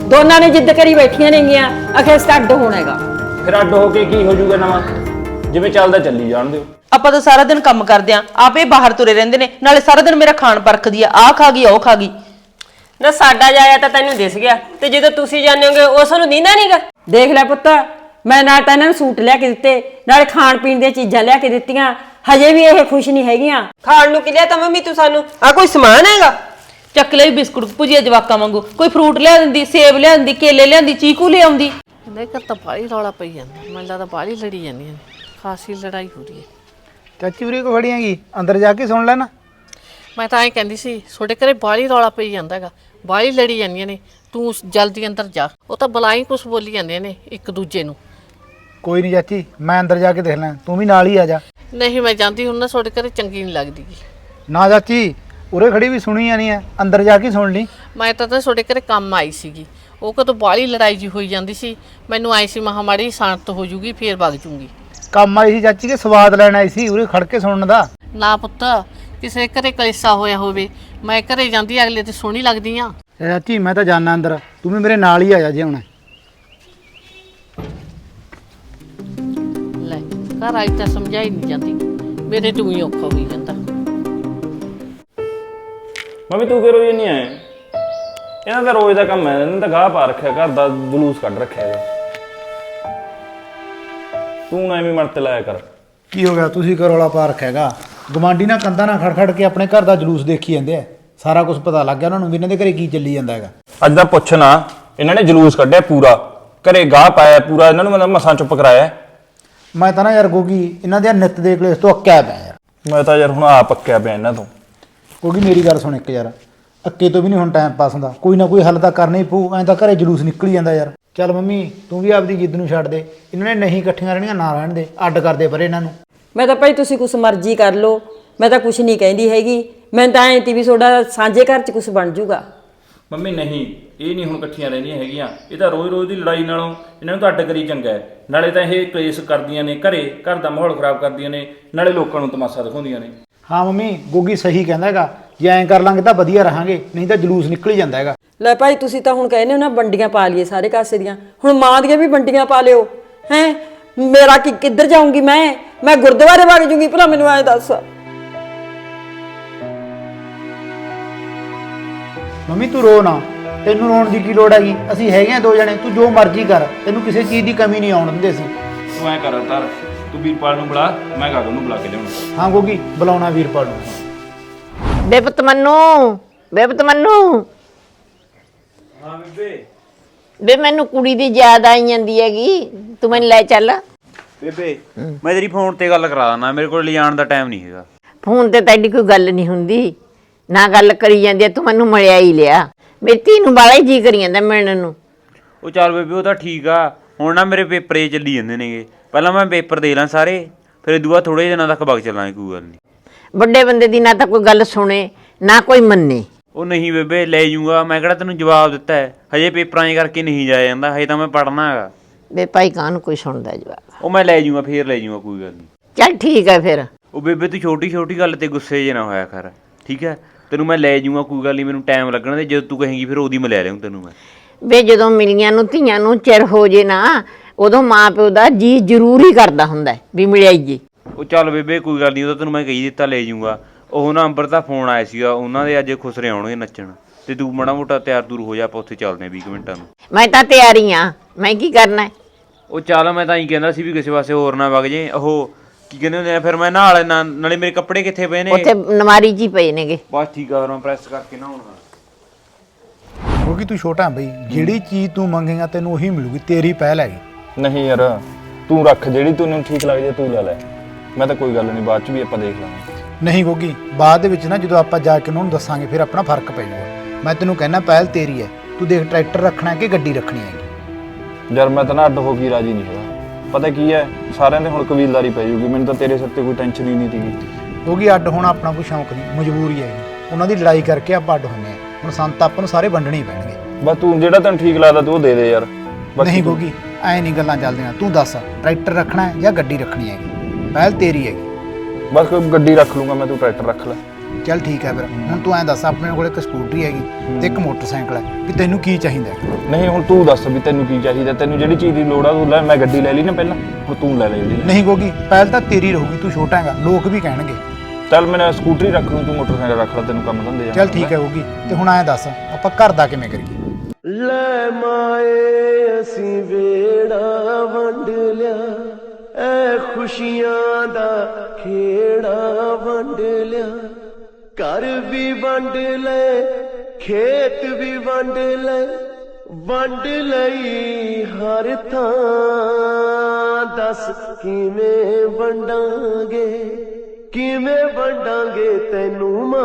ਦੋਨਾਂ ਨੇ ਜਿੱਦ ਕਰੀ ਬੈਠੀਆਂ ਨੇਗੀਆਂ ਅਖੇ ਇਸ ਅੱਡ ਹੋਣਾ ਹੈਗਾ। ਫਿਰ ਅੱਡ ਹੋ ਕੇ ਕੀ ਹੋ ਜਾਊਗਾ ਨਵਾਂ? ਜਿਵੇਂ ਚੱਲਦਾ ਚੱਲੀ ਜਾਣ ਦਿਓ। ਆਪਾਂ ਤਾਂ ਸਾਰਾ ਦਿਨ ਕੰਮ ਕਰਦੇ ਆਂ, ਆਪੇ ਬਾਹਰ ਤੁਰੇ ਰਹਿੰਦੇ ਨੇ, ਨਾਲੇ ਸਾਰਾ ਦਿਨ ਮੇਰਾ ਖਾਣ ਪਰਖਦੀ ਆ, ਆਹ ਖਾ ਗਈ ਉਹ ਖਾ ਗਈ। ਨਾ ਸਾਡਾ ਜਾਇਆ ਤਾਂ ਤੈਨੂੰ ਦਿਸ ਗਿਆ, ਤੇ ਜਦੋਂ ਤੁਸੀਂ ਜਾਂਦੇ ਹੋਗੇ ਉਸ ਨੂੰ ਦੀਂਦਾ ਨਹੀਂਗਾ। ਦੇਖ ਲੈ ਪੁੱਤ, ਮੈਂ ਨਾਲ ਤਾਂ ਇਹਨਾਂ ਨੂੰ ਸੂਟ ਲਿਆ ਕੇ ਦਿੱਤੇ, ਨਾਲ ਖਾਣ ਪੀਣ ਦੀਆਂ ਚੀਜ਼ਾਂ ਲਿਆ ਕੇ ਦਿੱਤੀਆਂ, ਹਜੇ ਵੀ ਇਹ ਖੁਸ਼ ਨਹੀਂ ਹੈਗੀਆਂ। ਖਾਣ ਨੂੰ ਕੀ ਲਿਆ ਤਾਂ ਮੰਮੀ ਤੂੰ ਸਾਨੂੰ? ਆ ਕੋਈ ਸਮਾਨ ਹੈਗਾ? ਚੱਕ ਲਈ ਬਿਸਕੁਟ ਭੁਜੀਆ ਜਵਾਕਾਂ ਵਾਂਗੂ, ਕੋਈ ਫਰੂਟ ਲਿਆ ਦਿੰਦੀ, ਸੇਬ ਲਿਆ ਦਿੰਦੀ, ਕੇਲੇ ਲਿਆਂਦੀ, ਚੀਕੂ ਲਿਆਉਂਦੀ। ਇਹਦੇ ਘਰ ਤਾਂ ਬਾਹਲੀ ਰੌਲਾ ਪਈ ਜਾਂਦਾ, ਮੈਨੂੰ ਲੱਗਦਾ ਬਾਹਲੀ ਲੜੀ ਜਾਂਦੀਆਂ ਨੇ, ਖਾਸੀ ਲੜਾਈ ਹੋ ਰਹੀ ਹੈ। ਚਾਚੀ ਉਰੇ ਕੋ ਖੜੀ ਹੈਗੀ, ਅੰਦਰ ਜਾ ਕੇ ਸੁਣ ਲੈ ਨਾ। ਮੈਂ ਤਾਂ ਐਂ ਕਹਿੰਦੀ ਸੀ ਤੁਹਾਡੇ ਘਰੇ ਬਾਹਲੀ ਰੌਲਾ ਪਈ ਜਾਂਦਾ ਹੈਗਾ, ਬਾਹਲੀ ਲੜੀ ਜਾਂਦੀਆਂ ਨੇ, ਤੂੰ ਜਲਦੀ ਅੰਦਰ ਜਾ। ਉਹ ਤਾਂ ਬਲਾਈ ਕੁਛ ਬੋਲੀ ਜਾਂਦੇ ਨੇ ਇੱਕ ਦੂਜੇ ਨੂੰ। ਕੋਈ ਨਹੀਂ ਚਾਚੀ, ਮੈਂ ਅੰਦਰ ਜਾ ਕੇ ਦੇਖ ਲੈ, ਤੂੰ ਵੀ ਨਾਲ ਹੀ ਆ ਜਾ। ਨਹੀਂ ਮੈਂ ਜਾਂਦੀ ਹੁਣ ਨਾ, ਤੁਹਾਡੇ ਘਰੇ ਚੰਗੀ ਨਹੀਂ ਲੱਗਦੀ ਗੀ। ਨਾ ਚਾਚੀ, ਉਰੇ ਖੜੀ ਵੀ ਸੁਣੀ ਜਾਣੀ ਹੈ, ਅੰਦਰ ਜਾ ਕੇ ਸੁਣ ਲਈ। ਮੈਂ ਤਾਂ ਤਾਂ ਤੁਹਾਡੇ ਘਰੇ ਕੰਮ ਆਈ ਸੀਗੀ, ਉਹ ਕਦੋਂ ਬਾਹਲੀ ਲੜਾਈ ਜੀ ਹੋਈ ਜਾਂਦੀ ਸੀ, ਮੈਨੂੰ ਆਈ ਸੀ ਮਹਾਮਾਰੀ ਸ਼ਾਂਤ ਹੋ ਜੂਗੀ ਫੇਰ ਵਗ ਜੂਗੀ। ਕੰਮ ਆਈ ਸੀ ਚਾਚੀ ਕੇ ਸਵਾਦ ਲੈਣ ਆਈ ਸੀ, ਉਰੇ ਖੜ ਕੇ ਸੁਣਨ ਦਾ। ਨਾ ਪੁੱਤ, ਕਿਸੇ ਘਰੇ ਕਲੇਸ਼ਾ ਹੋਇਆ ਹੋਵੇ, ਮੈਂ ਘਰੇ ਜਾਂਦੀ ਅਗਲੇ ਤੇ ਸੋਹਣੀ ਲੱਗਦੀ ਆ। ਚਾਚੀ ਮੈਂ ਤਾਂ ਜਾਣਾ ਅੰਦਰ, ਤੂੰ ਵੀ ਮੇਰੇ ਨਾਲ ਹੀ ਆ ਜਾ ਜੇ ਹੁਣ। ਲੈ ਘਰ ਆਈ ਤਾਂ ਸਮਝਾਈ ਨਹੀਂ ਜਾਂਦੀ, ਮੇਰੇ ਤੋਂ ਹੀ ਔਖਾ ਹੋਈ ਜਾਂਦਾ। ਮੰਮੀ ਤੂੰ ਕਿਉਂ ਰੋਈ ਨਹੀਂ ਆਏ? ਇਹਨਾਂ ਦਾ ਰੋਜ਼ ਦਾ ਕੰਮ ਹੈ, ਇਹਨਾਂ ਦਾ ਗਾਹ ਪਾ ਰੱਖਿਆ, ਘਰ ਦਾ ਜਲੂਸ ਕੱਢ ਰੱਖਿਆ ਹੈਗਾ। ਤੂੰ ਨਾ ਐਵੇਂ ਮਨ ਤੇ ਲਾਇਆ ਕਰ। ਕੀ ਹੋ ਗਿਆ, ਤੁਸੀਂ ਕਿਉਂ ਰੌਲਾ ਪਾ ਰੱਖਿਆ ਹੈਗਾ? ਗਵਾਂਢੀ ਨਾਲ ਕੰਧਾਂ ਨਾਲ ਖੜ ਖੜ ਕੇ ਆਪਣੇ ਘਰ ਦਾ ਜਲੂਸ ਦੇਖੀ ਜਾਂਦੇ ਆ, ਸਾਰਾ ਕੁਝ ਪਤਾ ਲੱਗ ਗਿਆ ਉਹਨਾਂ ਨੂੰ ਵੀ ਇਹਨਾਂ ਦੇ ਘਰੇ ਕੀ ਚੱਲੀ ਜਾਂਦਾ ਹੈਗਾ। ਅੱਜ ਦਾ ਪੁੱਛ ਨਾ, ਇਹਨਾਂ ਨੇ ਜਲੂਸ ਕੱਢਿਆ ਪੂਰਾ, ਘਰੇ ਗਾਹ ਪਾਇਆ ਪੂਰਾ, ਇਹਨਾਂ ਨੂੰ ਮੈਂ ਮਸਾਂ ਚੁੱਪ ਕਰਾਇਆ। ਮੈਂ ਤਾਂ ਨਾ ਯਾਰ ਗੋਗੀ ਇਹਨਾਂ ਦੇ ਨਿੱਤ ਦੇ ਕਲੇਸ਼ ਤੋਂ ਅੱਕਿਆ ਪਿਆ ਯਾਰ। ਮੈਂ ਤਾਂ ਯਾਰ ਹੁਣ ਆ ਪੱਕਿਆ ਪਿਆ ਇਹਨਾਂ ਤੋਂ। ਗੋਗੀ ਮੇਰੀ ਗੱਲ ਸੁਣ ਇੱਕ ਯਾਰ, ਅੱਕੇ ਤੋਂ ਵੀ ਨਹੀਂ ਹੁਣ ਟਾਈਮ ਪਾਸ ਹੁੰਦਾ, ਕੋਈ ਨਾ ਕੋਈ ਹੱਲ ਤਾਂ ਕਰਨਾ ਹੀ ਪਊ, ਐਂ ਤਾਂ ਘਰੇ ਜਲੂਸ ਨਿਕਲ ਜਾਂਦਾ ਯਾਰ। ਚੱਲ ਮੰਮੀ ਤੂੰ ਵੀ ਆਪਦੀ ਜਿੱਦ ਨੂੰ ਛੱਡ ਦੇ, ਇਹਨਾਂ ਨੇ ਨਹੀਂ ਇਕੱਠੀਆਂ ਰਹਿਣੀਆਂ ਨਾ ਰਹਿਣ ਦੇ, ਅੱਡ ਕਰਦੇ ਪਰ ਇਹਨਾਂ ਨੂੰ। ਮੈਂ ਤਾਂ ਭਾਈ ਤੁਸੀਂ ਕੁਛ ਮਰਜ਼ੀ ਕਰ ਲਓ, ਮੈਂ ਤਾਂ ਕੁਛ ਨਹੀਂ ਕਹਿੰਦੀ ਹੈਗੀ, ਮੈਂ ਤਾਂ ਐਂ ਤੀ ਵੀ ਤੁਹਾਡਾ ਸਾਂਝੇ ਘਰ 'ਚ ਕੁਛ ਬਣ ਜੂਗਾ। ਮੰਮੀ ਨਹੀਂ, ਇਹ ਨਹੀਂ ਹੁਣ ਇਕੱਠੀਆਂ ਰਹਿੰਦੀਆਂ ਹੈਗੀਆਂ, ਇਹ ਤਾਂ ਰੋਜ਼ ਰੋਜ਼ ਦੀ ਲੜਾਈ ਨਾਲੋਂ ਇਹਨਾਂ ਨੂੰ ਤਾਂ ਅੱਡ ਕਰੀ ਚੰਗਾ ਹੈ। ਨਾਲੇ ਤਾਂ ਇਹ ਕਲੇਸ਼ ਕਰਦੀਆਂ ਨੇ ਘਰੇ, ਘਰ ਦਾ ਮਾਹੌਲ ਖਰਾਬ ਕਰਦੀਆਂ ਨੇ, ਨਾਲੇ ਲੋਕਾਂ ਨੂੰ ਤਮਾਸ਼ਾ ਦਿਖਾਉਂਦੀਆਂ ਨੇ। ਹਾਂ ਮੰਮੀ ਗੋਗੀ ਸਹੀ ਕਹਿੰਦਾ ਹੈਗਾ, ਜੇ ਐਂ ਕਰ ਲਾਂਗੇ ਤਾਂ ਵਧੀਆ ਰਹਾਂਗੇ, ਨਹੀਂ ਤਾਂ ਜਲੂਸ ਨਿਕਲ ਹੀ ਜਾਂਦਾ ਹੈਗਾ। ਲੈ ਭਾਈ ਤੁਸੀਂ ਤਾਂ ਹੁਣ ਕਹਿੰਦੇ ਹੋ ਨਾ ਵੰਡੀਆਂ ਪਾ ਲਈਏ ਸਾਰੇ ਕਾਸੇ ਦੀਆਂ, ਹੁਣ ਮਾਂ ਦੀਆਂ ਵੀ ਵੰਡੀਆਂ ਪਾ ਲਿਓ ਹੈ। ਮੇਰਾ ਕਿ ਕਿੱਧਰ ਜਾਊਂਗੀ ਮੈਂ ਮੈਂ ਗੁਰਦੁਆਰੇ ਵਗ ਜੂੰਗੀ, ਭਲਾ ਮੈਨੂੰ ਐਂ ਦੱਸ। ਮੰਮੀ ਤੂੰ ਰੋ ਨਾ, ਤੈਨੂੰ ਰੋਣ ਦੀ ਕੀ ਲੋੜ ਹੈਗੀ, ਅਸੀਂ ਹੈਗੇ ਆ ਦੋ ਜਣੇ, ਤੂੰ ਜੋ ਮਰਜ਼ੀ ਕਰ, ਤੈਨੂੰ ਕਿਸੇ ਚੀਜ਼ ਦੀ ਕਮੀ ਨਹੀਂ ਆਉਣ ਦਿੰਦੇ ਅਸੀਂ। ਤੂੰ ਐਂ ਕਰ ਤਾਰ, ਤੂੰ ਵੀਰਪਾਲ ਨੂੰ ਬੁਲਾ, ਮੈਂ ਗਾਗਨ ਨੂੰ ਬੁਲਾ ਕੇ ਲਿਆਉਣਾ। ਹਾਂ ਗੋਗੀ ਬੁਲਾਉਣਾ ਵੀਰਪਾਲ ਨੂੰ। ਬੇਪਤ ਮੰਨੂ, ਬੇਪਤ ਮੰਨੂ। ਹਾਂ ਬੇਬੇ। ਵੇ ਮੈਨੂੰ ਕੁੜੀ ਦੀ ਯਾਦ ਆਈ ਜਾਂਦੀ ਹੈਗੀ, ਤੂੰ ਮੈਨੂੰ ਲੈ ਚੱਲ। ਬੇਬੇ ਮੈਂ ਤੇਰੀ ਫੋਨ ਤੇ ਗੱਲ ਕਰਾ ਦਾਂ, ਮੇਰੇ ਕੋਲ ਲਿਜਾਣ ਦਾ ਟਾਈਮ ਨਹੀਂ ਹੈਗਾ। ਫੋਨ ਤੇ ਤਾਂ ਐਡੀ ਕੋਈ ਗੱਲ ਨਹੀਂ ਹੁੰਦੀ, ਨਾ ਗੱਲ ਕਰੀ ਜਾਂਦੀ ਆ, ਤੂੰ ਮੈਨੂੰ ਮਿਲਿਆ ਹੀ ਲਿਆ। ਮੇਰੀ ਧੀ ਨੂੰ ਬਾਲਾ ਹੀ ਜੀ ਕਰੀ ਜਾਂਦਾ ਮਿਲਣ ਨੂੰ। ਉਹ ਚੱਲ ਬੇਬੇ ਉਹ ਤਾਂ ਠੀਕ ਆ, ਹੁਣ ਨਾ ਮੇਰੇ ਪੇਪਰ ਏ ਚੱਲੀ ਜਾਂਦੇ ਨੇਗੇ, ਪਹਿਲਾਂ ਮੈਂ ਪੇਪਰ ਦੇ ਲਾਂ ਸਾਰੇ, ਫਿਰ ਇਹ ਦੂਆ ਥੋੜੇ ਦਿਨਾਂ ਤੱਕ ਵਗ ਚੱਲਾਂਗੇ, ਕੋਈ ਗੱਲ ਨਹੀਂ। ਵੱਡੇ ਬੰਦੇ ਦੀ ਨਾ ਤਾਂ ਕੋਈ ਗੱਲ ਸੁਣੇ ਨਾ ਕੋਈ ਮੰਨੇ। ਉਹ ਨਹੀਂ ਬੇਬੇ ਲੈ ਜੂੰਗਾ, ਮੈਂ ਕਿਹੜਾ ਤੈਨੂੰ ਜਵਾਬ ਦਿੱਤਾ ਹੈ, ਹਜੇ ਪੇਪਰਾਂ 'ਚ ਕਰਕੇ ਨਹੀਂ ਜਾਇਆ ਜਾਂਦਾ, ਹਜੇ ਤਾਂ ਮੈਂ ਪੜ੍ਹਨਾ ਹੈਗਾ। ਵੇ ਭਾਈ ਕਾਹਨੂੰ ਕੋਈ ਸੁਣਦਾ ਜਵਾਬ। ਉਹ ਮੈਂ ਲੈ ਜੂੰਗਾ, ਫੇਰ ਲੈ ਜੂੰਗਾ, ਕੋਈ ਗੱਲ ਨਹੀਂ। ਚੱਲ ਠੀਕ ਹੈ ਫਿਰ। ਉਹ ਬੇਬੇ ਤੂੰ ਛੋਟੀ ਛੋਟੀ ਗੱਲ ਤੇ ਗੁੱਸੇ ਜੇ ਨਾ ਹੋਇਆ ਕਰ, ਠੀਕ ਹੈ? ਤੈਨੂੰ ਮੈਂ ਲੈ ਜੂੰਗਾ, ਕੋਈ ਗੱਲ ਨਹੀਂ, ਮੈਨੂੰ ਟਾਈਮ ਲੱਗਣਾ, ਤੇ ਜਦੋਂ ਤੂੰ ਕਹੇਂਗੀ ਫਿਰ ਉਹਦੀ ਮੈਂ ਲੈ ਲਿਆਉਂ ਤੈਨੂੰ ਮੈਂ। ਵੇ ਜਦੋਂ ਮਿਲੀਆਂ ਨੂੰ ਧੀਆਂ ਨੂੰ ਚਿਰ ਹੋ ਜੇ ਨਾ, ਉਦੋਂ ਮਾਂ ਪਿਓ ਦਾ ਜੀ ਜ਼ਰੂਰੀ ਕਰਦਾ ਹੁੰਦਾ ਵੀ ਮਿਲਿਆ ਜੀ। ਉਹ ਚੱਲ ਬੇਬੇ ਕੋਈ ਗੱਲ ਨਹੀਂ, ਉਹ ਤਾਂ ਤੈਨੂੰ ਮੈਂ ਕਹੀ ਦਿੱਤਾ ਲੈ ਜੂੰਗਾ। ਉਹ ਨਾ ਅੰਬਰ ਦਾ ਫੋਨ ਆਇਆ ਸੀਗਾ, ਉਹਨਾਂ ਦੇ ਅੱਜ ਖੁਸਰੇ ਆਉਣਗੇ ਨੱਚਣ, ਤੇ ਤੂੰ ਮਾੜਾ ਮੋਟਾ ਤਿਆਰ ਤੁਰ ਹੋ ਜਾ, ਆਪਾਂ ਉੱਥੇ ਚੱਲਦੇ ਹਾਂ ਵੀਹ ਕੁ ਮਿੰਟਾਂ ਨੂੰ। ਮੈਂ ਤਾਂ ਤਿਆਰੀ ਆ, ਮੈਂ ਕੀ ਕਰਨਾ ਹੈ? ਉਹ ਚੱਲ ਮੈਂ ਤਾਂ ਹੀ ਕਹਿੰਦਾ ਸੀ ਵੀ ਕਿਸੇ ਪਾਸੇ ਹੋਰ ਨਾ ਵਗ ਜੇ। ਉਹ ਕੀ ਕਹਿੰਦੇ ਹੁੰਦੇ ਆ, ਫਿਰ ਮੈਂ ਨਹਾ ਲੈਣਾ, ਨਾਲੇ ਮੇਰੇ ਕੱਪੜੇ ਕਿੱਥੇ ਪਏ ਨੇ? ਉੱਥੇ ਨਮਾਰੀ ਜੀ ਪਏ ਨੇਗੇ। ਬਸ ਠੀਕ ਆ, ਫਿਰ ਮੈਂ ਪ੍ਰੈਸ ਕਰਕੇ ਨਹਾਉਣਾ। ਕਿਉਂਕਿ ਤੂੰ ਛੋਟਾ ਬਈ, ਜਿਹੜੀ ਚੀਜ਼ ਤੂੰ ਮੰਗੇਗਾ ਤੈਨੂੰ ਉਹੀ ਮਿਲੂਗੀ, ਤੇਰੀ ਪਹਿਲ ਹੈਗੀ। ਨਹੀਂ ਯਾਰ, ਤੂੰ ਰੱਖ ਜਿਹੜੀ ਤੈਨੂੰ ਠੀਕ ਲੱਗਦੀ ਤੂੰ ਲੈ ਲੈ, ਮੈਂ ਤਾਂ ਕੋਈ ਗੱਲ ਨਹੀਂ, ਬਾਅਦ 'ਚ ਵੀ ਆਪਾਂ ਦੇਖ ਲਾਂਗੇ। ਨਹੀਂ ਗੋਗੀ, ਬਾਅਦ ਦੇ ਵਿੱਚ ਨਾ ਜਦੋਂ ਆਪਾਂ ਜਾ ਕੇ ਉਹਨਾਂ ਨੂੰ ਦੱਸਾਂਗੇ ਫਿਰ ਆਪਣਾ ਫਰਕ ਪੈ ਜਾਊਗਾ। ਮੈਂ ਤੈਨੂੰ ਕਹਿਣਾ ਪਹਿਲ ਤੇਰੀ ਹੈ, ਤੂੰ ਦੇਖ ਟਰੈਕਟਰ ਰੱਖਣਾ ਕਿ ਗੱਡੀ ਰੱਖਣੀ ਹੈਗੀ। ਯਾਰ ਮੈਂ ਤਾਂ ਨਾ ਅੱਡ ਹੋ ਕੇ ਰਾਜੀ ਨਹੀਂ ਹੈਗਾ, ਪਤਾ ਕੀ ਹੈ, ਸਾਰਿਆਂ ਦੇ ਹੁਣ ਕਬੀਲਦਾਰੀ ਪੈ ਜੂਗੀ, ਮੈਨੂੰ ਤਾਂ ਤੇਰੇ ਸਿਰ ਤੇ ਕੋਈ ਟੈਨਸ਼ਨ ਹੀ ਨਹੀਂ ਸੀਗੀ। ਗੋਗੀ ਅੱਡ ਹੋਣਾ ਆਪਣਾ ਕੋਈ ਸ਼ੌਂਕ ਨਹੀਂ, ਮਜਬੂਰੀ ਹੈਗੀ, ਉਹਨਾਂ ਦੀ ਲੜਾਈ ਕਰਕੇ ਆਪਾਂ ਅੱਡ ਹੁੰਦੇ ਹਾਂ। ਹੁਣ ਸੰਤ ਆਪਾਂ ਨੂੰ ਸਾਰੇ ਵੰਡਣੇ ਹੀ ਪੈਣਗੇ। ਬਸ ਤੂੰ ਜਿਹੜਾ ਤੈਨੂੰ ਠੀਕ ਲੱਗਦਾ ਤੂੰ ਉਹ ਦੇ ਦੇ ਯਾਰ। ਨਹੀਂ ਗੋਗੀ ਐ ਨਹੀਂ ਗੱਲਾਂ ਚੱਲਦੀਆਂ, ਤੂੰ ਦੱਸ ਟਰੈਕਟਰ ਰੱਖਣਾ ਹੈ ਜਾਂ ਗੱਡੀ ਰੱਖਣੀ ਹੈਗੀ, ਪਹਿਲ ਤੇਰੀ ਹੈਗੀ। ਬਸ ਕੋਈ ਗੱਡੀ ਰੱਖ ਲੂੰਗਾ ਮੈਂ, ਤੂੰ ਟਰੈਕਟਰ ਰੱਖ ਲੈ। ਚੱਲ ਠੀਕ ਹੈ ਫਿਰ ਹੁਣ ਤੂੰ ਐਂ ਦੱਸ ਆਪਣੇ ਕੋਲ ਇੱਕ ਸਕੂਟਰੀ ਹੈਗੀ ਤੇ ਇੱਕ ਮੋਟਰਸਾਈਕਲ ਹੈ ਵੀ ਤੈਨੂੰ ਕੀ ਚਾਹੀਦਾ ਹੈ? ਨਹੀਂ ਹੁਣ ਤੂੰ ਦੱਸ ਵੀ ਤੈਨੂੰ ਕੀ ਚਾਹੀਦਾ, ਤੈਨੂੰ ਜਿਹੜੀ ਚੀਜ਼ ਦੀ ਲੋੜ ਆ ਤੂੰ ਲੈ। ਮੈਂ ਗੱਡੀ ਲੈ ਲਈ ਨਾ ਪਹਿਲਾਂ, ਹੁਣ ਤੂੰ ਲੈ ਲੈ ਜਿਹੜੀ। ਨਹੀਂ ਗੋਗੀ ਪਹਿਲ ਤਾਂ ਤੇਰੀ ਰਹੂਗੀ, ਤੂੰ ਛੋਟਾ ਹੈਗਾ, ਲੋਕ ਵੀ ਕਹਿਣਗੇ। ਚੱਲ ਮੈਂ ਸਕੂਟਰੀ ਰੱਖ ਲੂੰ, ਤੂੰ ਮੋਟਰਸਾਈਕਲ ਰੱਖ ਲੈ, ਤੈਨੂੰ ਕੰਮ ਧੰਦੇ ਚੱਲ ਠੀਕ ਹੈ ਗੋਗੀ। ਤੇ ਹੁਣ ਐਂ ਦੱਸ ਆਪਾਂ ਘਰ ਦਾ ਕਿਵੇਂ ਕਰੀਏ? ਲੈ ਮਾਏ ਅਸੀਂ ਵੇੜਾ ਵੰਡ ਲਿਆ, ਐ ਖੁਸ਼ੀਆਂ ਦਾ ਖੇੜਾ ਵੰਡ ਲਿਆ। ਘਰ ਵੀ ਵੰਡ ਲੈ, ਖੇਤ ਵੀ ਵੰਡ ਲੈ, ਵੰਡ ਲਈ ਹਰ ਥਾਂ। ਦੱਸ ਕਿਵੇਂ ਵੰਡਾਂਗੇ, ਕਿਵੇਂ ਵੰਡਾਂਗੇ ਤੈਨੂੰ ਮਾਂ।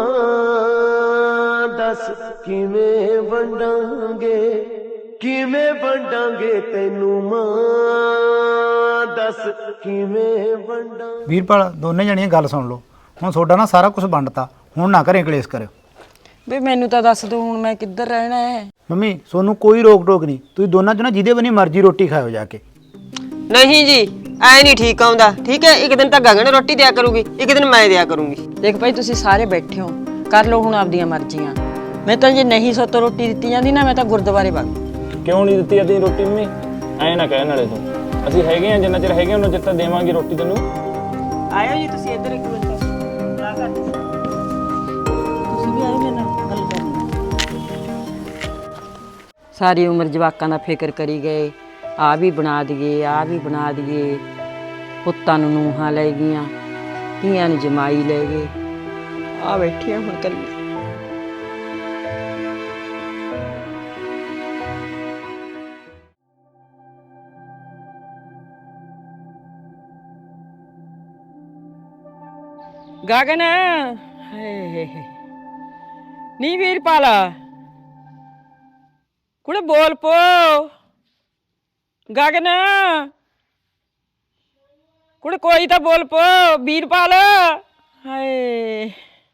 ਦੱਸ ਕਿਵੇਂ ਵੰਡਾਂਗੇ, ਕਿਵੇਂ ਵੰਡਾਂਗੇ ਤੈਨੂੰ ਮਾਂ। ਦੱਸ ਕਿਵੇਂ ਵੰਡਾਂ। ਵੀਰਪਾਲ ਦੋਨੇ ਜਣੀਆਂ ਗੱਲ ਸੁਣ ਲਓ, ਹੁਣ ਤੁਹਾਡਾ ਨਾ ਸਾਰਾ ਕੁਝ ਵੰਡਤਾ, ਹੁਣ ਨਾ ਘਰੇ ਕਲੇਸ਼ ਕਰਿਓ। ਵੇ ਮੈਨੂੰ ਤਾਂ ਦੱਸ ਦੋ ਹੁਣ ਮੈਂ ਕਿੱਧਰ ਰਹਿਣਾ ਹੈ। ਮੰਮੀ ਤੁਹਾਨੂੰ ਕੋਈ ਰੋਕ ਟੋਕ ਨਹੀਂ, ਤੁਸੀਂ ਦੋਨਾਂ ਚੋਂ ਨਾ ਜਿਹਦੇ ਬਣੀ ਮਰਜ਼ੀ ਰੋਟੀ ਖਾਓ ਜਾ ਕੇ। ਨਹੀਂ ਜੀ ਐ ਨਹੀਂ ਠੀਕ ਆਉਂਦਾ, ਠੀਕ ਹੈ। ਇੱਕ ਦਿਨ ਤਾਂ ਗਗਨ ਰੋਟੀ ਦਿਆ ਕਰੂਗੀ, ਇੱਕ ਦਿਨ ਮੈਂ ਦਿਆ ਕਰੂੰਗੀ। ਦੇਖ ਭਾਈ ਤੁਸੀਂ ਸਾਰੇ ਬੈਠੇ ਹੋ, ਕਰ ਲਓ ਹੁਣ ਆਪਦੀਆਂ ਮਰਜ਼ੀਆਂ। ਮੈਂ ਤਾਂ ਜੇ ਨਹੀਂ ਸੋਤੋਂ ਰੋਟੀ ਦਿੱਤੀ ਜਾਂਦੀ ਨਾ, ਮੈਂ ਤਾਂ ਗੁਰਦੁਆਰੇ ਵਗ। ਕਿਉਂ ਨਹੀਂ ਦਿੱਤੀ ਅਦੀ ਰੋਟੀ ਮੰਮੀ? ਐਂ ਨਾ ਕਹਿਣ ਵਾਲੇ ਤੂੰ, ਅਸੀਂ ਹੈਗੇ ਆ, ਜਿੰਨਾ ਚਿਰ ਹੈਗੇ ਉਹਨਾਂ ਚਿਰ ਤਾਂ ਦੇਵਾਂਗੇ ਰੋਟੀ ਤੈਨੂੰ। ਆਇਓ ਜੀ ਤੁਸੀਂ ਇੱਧਰ ਇੱਕ ਮਿੰਟ ਸਲਾਹ ਕਰ। ਤੁਸੀਂ ਵੀ ਆਇਓ ਮੇਰੇ ਨਾਲ ਗੱਲ ਕਰਨੀ। ਸਾਰੀ ਉਮਰ ਜਵਾਕਾਂ ਦਾ ਫਿਕਰ ਕਰੀ ਗਏ, ਆ ਵੀ ਬਣਾ ਦਈਏ, ਆ ਵੀ ਬਣਾ ਦਈਏ। ਪੁੱਤਾਂ ਨੂੰ ਨੂੰਹਾਂ ਲੈ ਗਈਆਂ, ਧੀਆਂ ਨੂੰ ਜਮਾਈ ਲੈ ਗਏ, ਆ ਬੈਠੀਆਂ ਹੁਣ ਕਰੀਏ। ਗਗਨ ਹੇ ਨੀ ਵੀਰਪਾਲ ਕੁੜੇ ਬੋਲ ਪੋ। ਗਗਨ ਕੁੜੇ ਕੋਈ ਤਾਂ ਬੋਲ ਪੋ। ਵੀਰਪਾਲ ਹਾਏ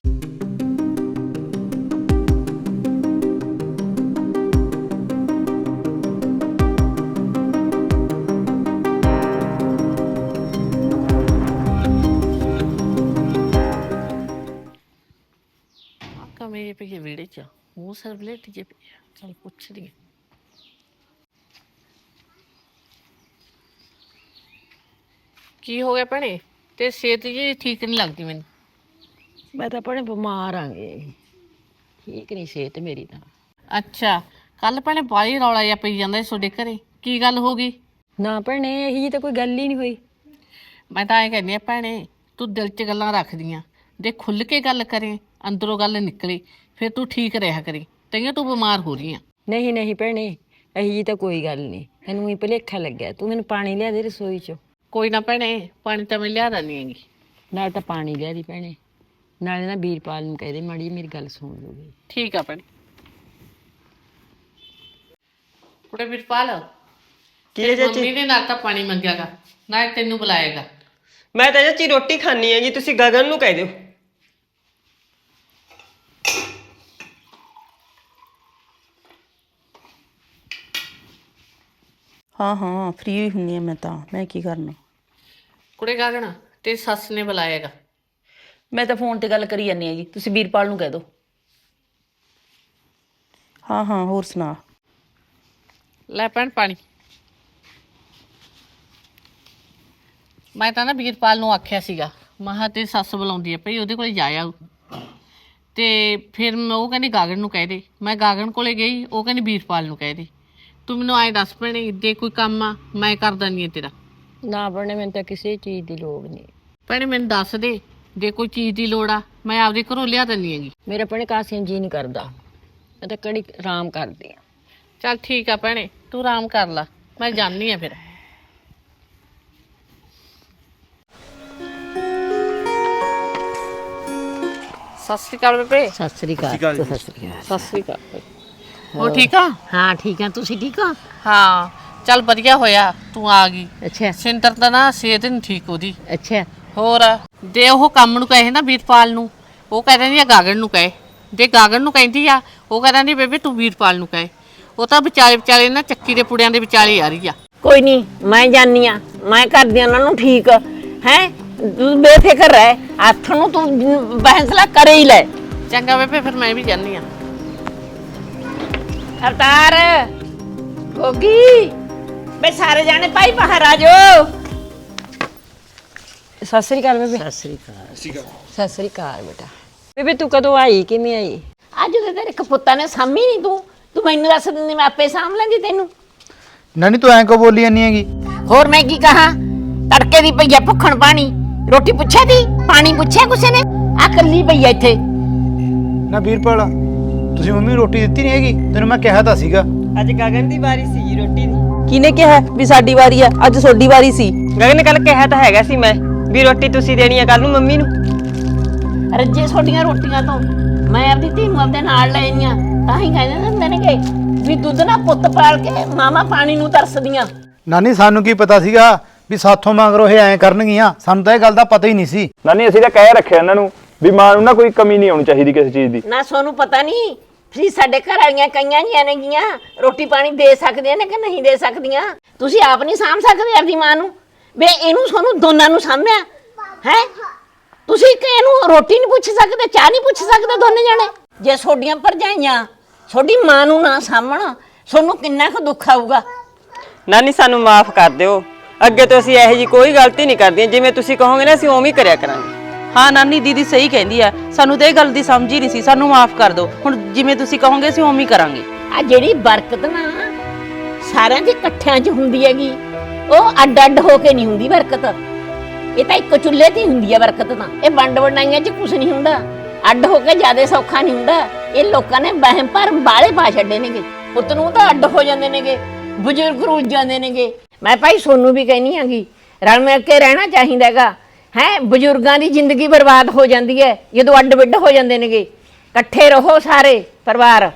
ਮੇਰੇ ਪਈ ਵਿਹੜੇ ਚ ਮੂੰਹ ਸਰ ਬਲੇਟ ਜੇ ਪਿਆ। ਚੱਲ ਪੁੱਛਦੀ ਹਾਂ। ਕੀ ਹੋ ਗਿਆ ਭੈਣੇ? ਤੇ ਸਿਹਤ ਜੀ ਠੀਕ ਨਹੀਂ ਲੱਗਦੀ ਮੈਨੂੰ। ਮੈਂ ਤਾਂ ਭੈਣੇ ਬਿਮਾਰ ਆਂਗੇ, ਠੀਕ ਨਹੀਂ ਸਿਹਤ ਮੇਰੀ ਤਾਂ। ਅੱਛਾ ਕੱਲ ਭੈਣੇ ਬਾਹਲੀ ਰੌਲਾ ਜਿਹਾ ਪਈ ਜਾਂਦਾ ਸੀ ਤੁਹਾਡੇ ਘਰੇ, ਕੀ ਗੱਲ ਹੋ ਗਈ? ਨਾ ਭੈਣੇ ਇਹੀ ਜੀ ਤਾਂ ਕੋਈ ਗੱਲ ਹੀ ਨਹੀਂ ਹੋਈ। ਮੈਂ ਤਾਂ ਐਂ ਕਹਿੰਦੀ ਆ ਭੈਣੇ, ਤੂੰ ਦਿਲ 'ਚ ਗੱਲਾਂ ਰੱਖਦੀਆਂ, ਜੇ ਖੁੱਲ੍ਹ ਕੇ ਗੱਲ ਕਰੇ, ਅੰਦਰੋਂ ਗੱਲ ਨਿਕਲੇ, ਫਿਰ ਤੂੰ ਠੀਕ ਰਿਹਾ ਕਰੀ। ਤਈਆਂ ਤੂੰ ਬਿਮਾਰ ਹੋ ਰਹੀ ਆ। ਨਹੀਂ ਨਹੀਂ ਭੈਣੇ ਇਹੀ ਜੀ ਤਾਂ ਕੋਈ ਗੱਲ ਨਹੀਂ, ਤੈਨੂੰ ਹੀ ਭੁਲੇਖਾ ਲੱਗਿਆ। ਤੂੰ ਮੈਨੂੰ ਪਾਣੀ ਲਿਆ ਦੇ ਰਸੋਈ 'ਚੋਂ। ਕੋਈ ਨਾ ਭੈਣੇ, ਪਾਣੀ ਤਾਂ ਮੈਂ ਲਿਆ ਦਿੰਦੀ ਹੈਗੀ। ਨਾਲ ਤਾਂ ਪਾਣੀ ਲਿਆ ਦੀ ਭੈਣੇ, ਨਾਲੇ ਨਾ ਵੀਰਪਾਲ ਨੂੰ ਕਹਿ ਦੇ ਮਾੜੀ ਜਿਹੀ ਮੇਰੀ ਗੱਲ ਸੁਣ ਲੂਗੀ। ਠੀਕ ਆ ਭੈਣੇ। ਕੁੜੇ ਵੀਰਪਾਲ ਕੀ ਹੈ ਚਾਚੀ? ਮੰਮੀ ਨੇ ਨਾਲ ਤਾਂ ਪਾਣੀ ਮੰਗਿਆਗਾ, ਨਾ ਤੈਨੂੰ ਬੁਲਾਏਗਾ। ਮੈਂ ਤਾਂ ਚਾਚੀ ਰੋਟੀ ਖਾਣੀ ਹੈ ਜੀ, ਤੁਸੀਂ ਗਗਨ ਨੂੰ ਕਹਿ ਦਿਓ। ਹਾਂ ਹਾਂ ਫ੍ਰੀ ਹੁੰਨੀ ਆ ਮੈਂ ਤਾਂ, ਮੈਂ ਕੀ ਕਰਨਾ। ਕੁੜੇ ਗਾਗਣਾ ਤੇ ਸੱਸ ਨੇ ਬੁਲਾਏਗਾ। ਮੈਂ ਤਾਂ ਫੋਨ ਤੇ ਗੱਲ ਕਰੀ ਜਾਂਦੀ ਆ ਜੀ, ਤੁਸੀਂ ਵੀਰਪਾਲ ਨੂੰ ਕਹਿ ਦਿਓ। ਹਾਂ ਹਾਂ ਹੋਰ ਸੁਣਾ। ਲੈ ਭੈਣ ਪਾਣੀ। ਮੈਂ ਤਾਂ ਨਾ ਵੀਰਪਾਲ ਨੂੰ ਆਖਿਆ ਸੀਗਾ, ਮਹਾ ਤੇ ਸੱਸ ਬੁਲਾਉਂਦੀ ਹੈ ਭਈ ਉਹਦੇ ਕੋਲ ਜਾ ਆਊ। ਤੇ ਫਿਰ ਮੈਂ ਉਹ ਕਹਿੰਦੀ ਗਾਗਣ ਨੂੰ ਕਹਿ ਦੇ। ਮੈਂ ਗਾਗਣ ਕੋਲੇ ਗਈ, ਉਹ ਕਹਿੰਦੀ ਵੀਰਪਾਲ ਨੂੰ ਕਹਿ ਦੇ। ਤੂੰ ਮੈਨੂੰ ਐਂ ਦੱਸ ਭੈਣੇ, ਜੇ ਕੋਈ ਕੰਮ ਆ ਮੈਂ ਕਰ ਦਿੰਦੀ ਹਾਂ ਤੇਰਾ। ਨਾ ਭੈਣੇ ਮੈਨੂੰ ਤਾਂ ਕਿਸੇ ਚੀਜ਼ ਦੀ ਲੋੜ ਨਹੀਂ। ਭੈਣੇ ਮੈਨੂੰ ਦੱਸ ਦੇ, ਜੇ ਕੋਈ ਚੀਜ਼ ਦੀ ਲੋੜ ਆ ਮੈਂ ਆਪਦੇ ਘਰੋਂ ਲਿਆ ਦਿੰਦੀ ਹੈਗੀ। ਮੇਰਾ ਭੈਣੇ ਕਾਸਿਆਂ ਜੀ ਨਹੀਂ ਕਰਦਾ, ਮੈਂ ਤਾਂ ਕੜੀ ਆਰਾਮ ਕਰਦੀ ਆ। ਚੱਲ ਠੀਕ ਆ ਭੈਣੇ, ਤੂੰ ਆਰਾਮ ਕਰ ਲਾ, ਮੈਂ ਜਾਂਦੀ ਆ ਫਿਰ। ਸਤਿ ਸ਼੍ਰੀ ਅਕਾਲ ਬੇਬੇ। ਸਤਿ ਸ੍ਰੀ ਅਕਾਲ। ਸਤਿ ਸ੍ਰੀ ਅਕਾਲ। ਸਤਿ ਸ਼੍ਰੀ ਅਕਾਲ। ਹੋ ਠੀਕ ਆ? ਹਾਂ ਠੀਕ ਆ, ਤੁਸੀਂ ਠੀਕ ਹੋ? ਹਾਂ ਚੱਲ ਵਧੀਆ ਹੋਇਆ ਤੂੰ ਆ ਗਈ। ਅੱਛਾ ਸਿੰਦਰ ਤਾਂ ਨਾ ਸਿਹਤ ਨਹੀਂ ਠੀਕ ਉਹਦੀ। ਅੱਛਾ ਹੋਰ ਦੇ ਉਹ ਕੰਮ ਨੂੰ ਕਹੇ ਨਾ ਵੀਰਪਾਲ ਨੂੰ, ਉਹ ਕਹਿ ਦਿੰਦੀ ਆ ਗਾਗਣ ਨੂੰ ਕਹੇ। ਜੇ ਗਾਗਣ ਨੂੰ ਕਹਿੰਦੀ ਆ, ਉਹ ਕਹਿ ਦਿੰਦੀ ਬੇਬੇ ਤੂੰ ਵੀਰਪਾਲ ਨੂੰ ਕਹੇ। ਉਹ ਤਾਂ ਵਿਚਾਲੇ ਵਿਚਾਲੇ ਨਾ ਚੱਕੀ ਦੇ ਪੁੜਿਆਂ ਦੇ ਵਿਚਾਲੇ ਆ ਰਹੀ ਆ। ਕੋਈ ਨਹੀਂ, ਮੈਂ ਜਾਨੀ ਆ, ਮੈਂ ਕਰਦੀ ਆ ਉਹਨਾਂ ਨੂੰ ਠੀਕ ਹੈ। ਤੂੰ ਬੇਫਿਕਰ ਰਹਿ, ਹੱਥ ਨੂੰ ਤੂੰ ਫੈਸਲਾ ਕਰੇ ਹੀ ਲੈ। ਚੰਗਾ ਬੇਬੇ ਫਿਰ ਮੈਂ ਵੀ ਜਾਂਦੀ ਆ। ਅਵਤਾਰ ਗੋਗੀ ਬੇ ਸਾਰੇ ਜਾਣੇ ਭਾਈ ਬਾਹਰ ਆ ਜਾਓ। ਸਤਿ ਸ੍ਰੀ ਅਕਾਲ ਬੇਬੇ। ਸਤਿ ਸ੍ਰੀ ਅਕਾਲ। ਸਤਿ ਸ੍ਰੀ ਅਕਾਲ ਬੇਟਾ। ਬੇਬੇ ਤੂੰ ਕਦੋਂ ਆਈ, ਕਿਵੇਂ ਆਈ? ਅੱਜ ਤੇ ਤੇਰੇ ਕਪੁੱਤਾਂ ਨੇ ਸਾਂਭੀ ਨਹੀਂ, ਤੂੰ ਤੂੰ ਮੈਨੂੰ ਦੱਸ ਦਿੰਦੀ ਮੈਂ ਆਪੇ ਸਾਂਭ ਲੈਂਦੀ ਤੈਨੂੰ। ਨਾਨੀ ਤੂੰ ਐਂ ਕੋ ਬੋਲੀ ਜਾਂਦੀ ਹੈਗੀ? ਹੋਰ ਮੈਂ ਕੀ ਕਹਾਂ, ਤੜਕੇ ਦੀ ਪਈ ਆ ਭੁੱਖਣ ਪਾਣੀ, ਰੋਟੀ ਪੁੱਛਿਆ ਦੀ, ਪਾਣੀ ਪੁੱਛਿਆ ਕਿਸੇ ਨੇ? ਆ ਕੱਲੀ ਪਈ ਆ ਇੱਥੇ। ਨਾ ਵੀਰਪਾਲ, ਤੁਸੀਂ ਮੰਮੀ ਨੂੰ ਰੋਟੀ ਦਿੱਤੀ ਨਹੀਂ ਹੈਗੀ? ਤੈਨੂੰ ਮੈਂ ਕਿਹਾ ਤਾਂ ਸੀਗਾ। ਅੱਜ ਗਗਨ ਦੀ ਵਾਰੀ ਸੀ ਰੋਟੀ ਦੀ। ਕਿਹਨੇ ਕਿਹਾ ਵੀ ਸਾਡੀ ਵਾਰੀ ਆ? ਅੱਜ ਤੁਹਾਡੀ ਵਾਰੀ ਸੀ। ਗਗਨ ਨੇ ਕੱਲ ਕਿਹਾ ਤਾਂ ਹੈਗਾ ਸੀ ਮੈਂ ਵੀ ਰੋਟੀ ਤੁਸੀਂ ਦੇਣੀ ਆ ਕੱਲ ਨੂੰ ਮੰਮੀ ਨੂੰ। ਰੱਜੇ ਛੋਟੀਆਂ ਰੋਟੀਆਂ ਤੋਂ ਮੈਂ ਆਪਦੀ ਧੀ ਨੂੰ ਆਪਦੇ ਨਾਲ ਲੈ ਆਈਆਂ, ਤਾਂ ਹੀ ਕਹਿੰਦੇ ਹੁੰਦੇ ਨੇਗੇ ਵੀ ਦੁੱਧ ਨਾ ਪੁੱਤ ਪਾਲ ਕੇ ਮਾਮਾ ਪਾਣੀ ਨੂੰ ਤਰਸਦੀਆਂ। ਨਾਨੀ ਸਾਨੂੰ ਕੀ ਪਤਾ ਸੀਗਾ ਵੀ ਸਾਥੋਂ ਮੰਗਰੋ ਇਹ ਐਂ ਕਰਨਗੀਆਂ, ਸਾਨੂੰ ਤਾਂ ਇਹ ਗੱਲ ਦਾ ਪਤਾ ਹੀ ਨਹੀਂ ਸੀ। ਨਾਨੀ ਅਸੀਂ ਤਾਂ ਕਹਿ ਰੱਖਿਆ ਇਹਨਾਂ ਨੂੰ ਵੀ ਮਾਂ ਨੂੰ ਨਾ ਕੋਈ ਕਮੀ ਨਹੀਂ ਆਉਣੀ ਚਾਹੀਦੀ ਕਿਸੇ ਚੀਜ਼ ਦੀ। ਨਾ ਸੋਨੂੰ ਪਤਾ ਨਹੀਂ ਤੁਸੀਂ ਸਾਡੇ ਘਰ ਵਾਲੀਆਂ ਕਈਆਂ ਜੀਆਂ ਨੇਗੀਆਂ ਰੋਟੀ ਪਾਣੀ ਦੇ ਸਕਦੀਆਂ ਨੇ ਕਿ ਨਹੀਂ ਦੇ ਸਕਦੀਆਂ। ਤੁਸੀਂ ਆਪ ਨਹੀਂ ਸਾਂਭ ਸਕਦੇ ਆਪਦੀ ਮਾਂ ਨੂੰ, ਵੇ ਇਹਨੂੰ ਸੋਨੂੰ ਦੋਨਾਂ ਨੂੰ ਸਾਂਭਿਆ ਹੈ। ਤੁਸੀਂ ਕਿ ਇਹਨੂੰ ਰੋਟੀ ਨਹੀਂ ਪੁੱਛ ਸਕਦੇ, ਚਾਹ ਨਹੀਂ ਪੁੱਛ ਸਕਦੇ ਦੋਨੇ ਜਣੇ? ਜੇ ਤੁਹਾਡੀਆਂ ਭਰਜਾਈਆਂ ਤੁਹਾਡੀ ਮਾਂ ਨੂੰ ਨਾ ਸਾਂਭਣ, ਤੁਹਾਨੂੰ ਕਿੰਨਾ ਕੁ ਦੁੱਖ ਆਊਗਾ। ਨਾਨੀ ਸਾਨੂੰ ਮਾਫ ਕਰ ਦਿਓ, ਅੱਗੇ ਤੋਂ ਅਸੀਂ ਇਹੋ ਜੀ ਕੋਈ ਗਲਤੀ ਨਹੀਂ ਕਰਦੀਆਂ, ਜਿਵੇਂ ਤੁਸੀਂ ਕਹੋਗੇ ਨਾ ਅਸੀਂ ਉਵੇਂ ਹੀ ਕਰਿਆ ਕਰਾਂਗੇ। ਹਾਂ ਨਾਨੀ ਦੀਦੀ ਸਹੀ ਕਹਿੰਦੀ ਆ, ਸਾਨੂੰ ਤਾਂ ਇਹ ਗੱਲ ਦੀ ਸਮਝ ਹੀ ਨਹੀਂ ਸੀ, ਸਾਨੂੰ ਮਾਫ ਕਰ ਦਿਓ। ਹੁਣ ਜਿਵੇਂ ਤੁਸੀਂ ਕਹੋਗੇ ਅਸੀਂ ਉਵੇਂ ਹੀ ਕਰਾਂਗੇ। ਆ ਜਿਹੜੀ ਬਰਕਤ ਨਾ ਸਾਰਿਆਂ ਦੇ ਇਕੱਠਿਆਂ 'ਚ ਹੁੰਦੀ ਹੈਗੀ, ਉਹ ਅੱਡ ਅੱਡ ਹੋ ਕੇ ਨਹੀਂ ਹੁੰਦੀ ਬਰਕਤ। ਇਹ ਤਾਂ ਇੱਕ ਚੁੱਲ੍ਹੇ ਤੇ ਹੀ ਹੁੰਦੀ ਹੈ ਬਰਕਤ ਤਾਂ। ਇਹ ਵੰਡ ਵੰਡਾਈਆਂ 'ਚ ਕੁਝ ਨਹੀਂ ਹੁੰਦਾ, ਅੱਡ ਹੋ ਕੇ ਜ਼ਿਆਦਾ ਸੌਖਾ ਨਹੀਂ ਹੁੰਦਾ। ਇਹ ਲੋਕਾਂ ਨੇ ਵਹਿਮ ਭਰਮ ਬਾਲੇ ਪਾ ਛੱਡੇ ਨੇਗੇ, ਪੁੱਤ ਨੂੰ ਤਾਂ ਅੱਡ ਹੋ ਜਾਂਦੇ ਨੇਗੇ, ਬਜ਼ੁਰਗ ਰੁੱਝ ਜਾਂਦੇ ਨੇਗੇ। ਮੈਂ ਭਾਈ ਸੋਨੂੰ ਵੀ ਕਹਿਨੀ ਆਂਗੀ ਰਲ ਮਿਲ ਕੇ ਰਹਿਣਾ ਚਾਹੀਦਾ ਹੈਗਾ ਹੈ। ਬਜ਼ੁਰਗਾਂ ਦੀ ਜ਼ਿੰਦਗੀ ਬਰਬਾਦ ਹੋ ਜਾਂਦੀ ਹੈ ਜਦੋਂ ਅੱਡ ਵਿੱਡ ਹੋ ਜਾਂਦੇ ਨੇਗੇ। ਇਕੱਠੇ ਰਹੋ ਸਾਰੇ ਪਰਿਵਾਰ।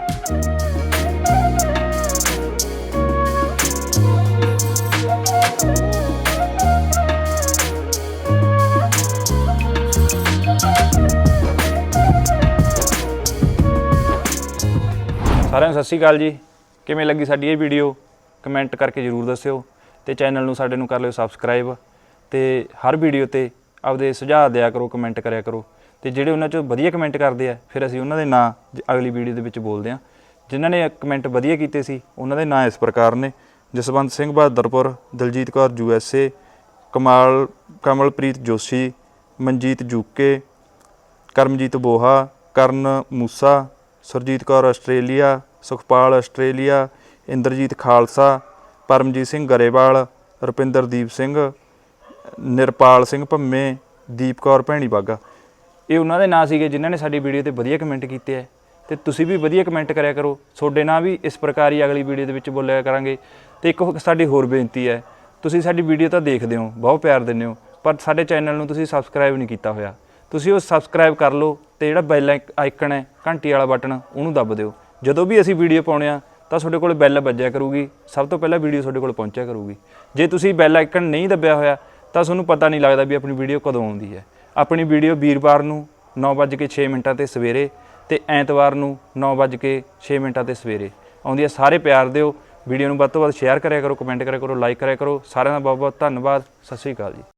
ਸਾਰਿਆਂ ਨੂੰ ਸਤਿ ਸ਼੍ਰੀ ਅਕਾਲ ਜੀ। ਕਿਵੇਂ ਲੱਗੀ ਸਾਡੀ ਇਹ ਵੀਡੀਓ ਕਮੈਂਟ ਕਰਕੇ ਜ਼ਰੂਰ ਦੱਸਿਓ, ਤੇ ਚੈਨਲ ਨੂੰ ਸਾਡੇ ਨੂੰ ਕਰ ਲਿਓ ਸਬਸਕ੍ਰਾਈਬ, ਤੇ ਹਰ ਵੀਡੀਓ ਤੇ ਆਪਦੇ ਸੁਝਾਅ ਦਿਆ ਕਰੋ, ਕਮੈਂਟ ਕਰਿਆ ਕਰੋ। ਤੇ ਜਿਹੜੇ ਉਹਨਾਂ 'ਚੋਂ ਵਧੀਆ ਕਮੈਂਟ ਕਰਦੇ ਆ ਫਿਰ ਅਸੀਂ ਉਹਨਾਂ ਦੇ ਨਾਂ ਅਗਲੀ ਵੀਡੀਓ ਦੇ ਵਿੱਚ ਬੋਲਦੇ ਹਾਂ। ਜਿਨ੍ਹਾਂ ਨੇ ਕਮੈਂਟ ਵਧੀਆ ਕੀਤੇ ਸੀ ਉਹਨਾਂ ਦੇ ਨਾਂ ਇਸ ਪ੍ਰਕਾਰ ਨੇ: Jaswant Singh Bahadarpur, Daljeet Kaur U S A, Kamal Kamalpreet Joshi, Manjeet Jooke, Karamjeet Boha, Karan Moosa, Surjeet Kaur Australia, Sukhpal Australia, Inderjeet Khalsa, Paramjeet Singh Grewal, Rupinderdeep Singh, Nirpal Singh Bhamme, Deep Kaur Bhaini Baga. ਇਹ ਉਹਨਾਂ ਦੇ ਨਾਂ ਸੀਗੇ ਜਿਨ੍ਹਾਂ ਨੇ ਸਾਡੀ ਵੀਡੀਓ ਤੇ ਵਧੀਆ ਕਮੈਂਟ ਕੀਤੇ ਹੈ। ਤੇ ਤੁਸੀਂ ਵੀ ਵਧੀਆ ਕਮੈਂਟ ਕਰਿਆ ਕਰੋ, ਤੁਹਾਡੇ ਨਾਂ ਵੀ ਇਸ ਪ੍ਰਕਾਰ ਹੀ ਅਗਲੀ ਵੀਡੀਓ ਦੇ ਵਿੱਚ ਬੋਲਿਆ ਕਰਾਂਗੇ। ਤੇ ਇੱਕ ਸਾਡੀ ਹੋਰ ਬੇਨਤੀ ਹੈ, ਤੁਸੀਂ ਸਾਡੀ ਵੀਡੀਓ ਤਾਂ ਦੇਖਦੇ ਹੋ, ਬਹੁਤ ਪਿਆਰ ਦਿੰਦੇ ਹੋ, ਪਰ ਸਾਡੇ ਚੈਨਲ ਨੂੰ ਤੁਸੀਂ ਸਬਸਕ੍ਰਾਈਬ ਨਹੀਂ ਕੀਤਾ ਹੋਇਆ। ਤੁਸੀਂ ਉਹ ਸਬਸਕ੍ਰਾਈਬ ਕਰ ਲਓ, ਤੇ ਜਿਹੜਾ ਬੈਲ ਆਈਕਨ ਹੈ ਘੰਟੀ ਵਾਲਾ ਬਟਨ ਉਹਨੂੰ ਦੱਬ ਦਿਓ। ਜਦੋਂ ਵੀ ਅਸੀਂ ਵੀਡੀਓ ਪਾਉਂਦੇ ਹਾਂ ਤਾਂ ਤੁਹਾਡੇ ਕੋਲ ਬੈਲ ਵੱਜਿਆ ਕਰੂਗੀ, ਸਭ ਤੋਂ ਪਹਿਲਾਂ ਵੀਡੀਓ ਤੁਹਾਡੇ ਕੋਲ ਪਹੁੰਚਿਆ ਕਰੂਗੀ। ਜੇ ਤੁਸੀਂ ਬੈਲ ਆਈਕਨ ਨਹੀਂ ਦੱਬਿਆ ਹੋਇਆ ਤਾਂ ਤੁਹਾਨੂੰ ਪਤਾ ਨਹੀਂ ਲੱਗਦਾ ਵੀ ਆਪਣੀ ਵੀਡੀਓ ਕਦੋਂ ਆਉਂਦੀ ਹੈ। ਆਪਣੀ ਵੀਡੀਓ ਵੀਰਵਾਰ ਨੂੰ ਨੌ ਵੱਜ ਕੇ ਛੇ ਮਿੰਟਾਂ 'ਤੇ ਸਵੇਰੇ, ਤੇ ਐਤਵਾਰ ਨੂੰ ਨੌ ਵੱਜ ਕੇ ਛੇ ਮਿੰਟਾਂ 'ਤੇ ਸਵੇਰੇ ਆਉਂਦੀ ਹੈ। ਸਾਰੇ ਪਿਆਰ ਦਿਓ, ਵੀਡੀਓ ਨੂੰ ਵੱਧ ਤੋਂ ਵੱਧ ਸ਼ੇਅਰ ਕਰਿਆ ਕਰੋ, ਕਮੈਂਟ ਕਰਿਆ ਕਰੋ, ਲਾਈਕ ਕਰਿਆ ਕਰੋ। ਸਾਰਿਆਂ ਦਾ ਬਹੁਤ ਬਹੁਤ ਧੰਨਵਾਦ। ਸਤਿ ਸ਼੍ਰੀ ਅਕਾਲ ਜੀ।